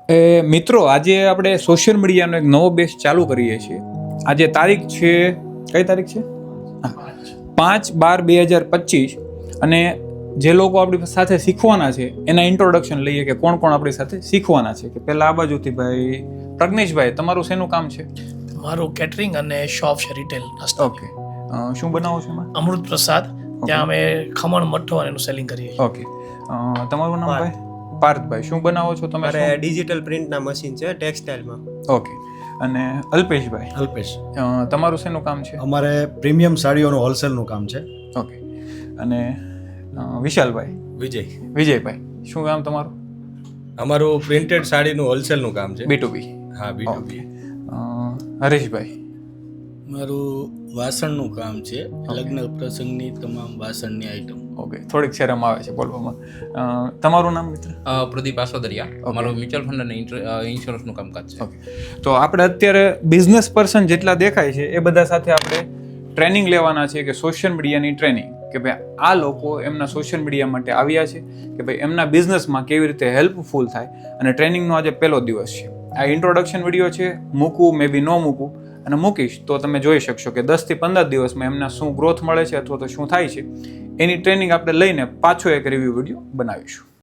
મિત્રો, આજે આપણે સોશિયલ મીડિયાનો એક નવો બેચ ચાલુ કરીએ છીએ. આજે તારીખ છે, કઈ તારીખ છે? 5/12/2025. અને જે લોકો આપણી સાથે શીખવાના છે એના ઇન્ટ્રોડક્શન લઈએ કે કોણ કોણ આપણી સાથે શીખવાના છે. કે પહેલા આ બાજુથી ભાઈ પ્રજ્ઞેશભાઈ, તમારું શેનું કામ છે? મારું કેટરિંગ અને શોપ છે, રિટેલ. ઓકે, શું બનાવો છો એમાં? અમૃત પ્રસાદ. ત્યાં અમે ખમણ મઠ્ઠો અને એનું સેલિંગ કરીએ છીએ. ઓકે, તમારું નામ ભાઈ? પાર્થભાઈ, શું બનાવો છો તમે? મારે ડિજિટલ પ્રિન્ટના મશીન છે ટેક્સટાઇલમાં. ઓકે. અને અલ્પેશભાઈ? અલ્પેશ, તમારું શેનું કામ છે? અમારે પ્રીમિયમ સાડીઓનું હોલસેલનું કામ છે. ઓકે. અને વિશાલભાઈ? વિજયભાઈ, શું કામ તમારું? અમારું પ્રિન્ટેડ સાડીનું હોલસેલનું કામ છે. B2B? હા, B2B. હરેશભાઈ? મારું વાસણનું કામ છે, લગ્ન પ્રસંગની તમામ વાસણની આઈટમ. ઓકે, થોડીક શરમ આવે છે બોલવામાં. તમારું નામ મિત્ર? પ્રદીપ આસોદરિયા. અમારું મ્યુચ્યુઅલ ફંડ અને ઇન્સ્યોરન્સનું કામકાજ છે. ઓકે. તો આપણે અત્યારે બિઝનેસ પર્સન જેટલા દેખાય છે એ બધા સાથે આપણે ટ્રેનિંગ લેવાના છે, કે સોશિયલ મીડિયાની ટ્રેનિંગ, કે ભાઈ આ લોકો એમના સોશિયલ મીડિયા માટે આવ્યા છે, કે ભાઈ એમના બિઝનેસમાં કેવી રીતે હેલ્પફુલ થાય. અને ટ્રેનિંગનો આજે પહેલો દિવસ છે. આ ઇન્ટ્રોડક્શન વિડીયો છે, મૂકવું મે બી ન મૂકવું, અને મૂકીશ તો તમે જોઈ શકશો કે 10 થી 15 દિવસમાં એમના શું ગ્રોથ મળે છે અથવા તો શું થાય છે. એની ટ્રેનિંગ આપણે લઈને પાછો એક રિવ્યૂ વિડીયો બનાવીશું.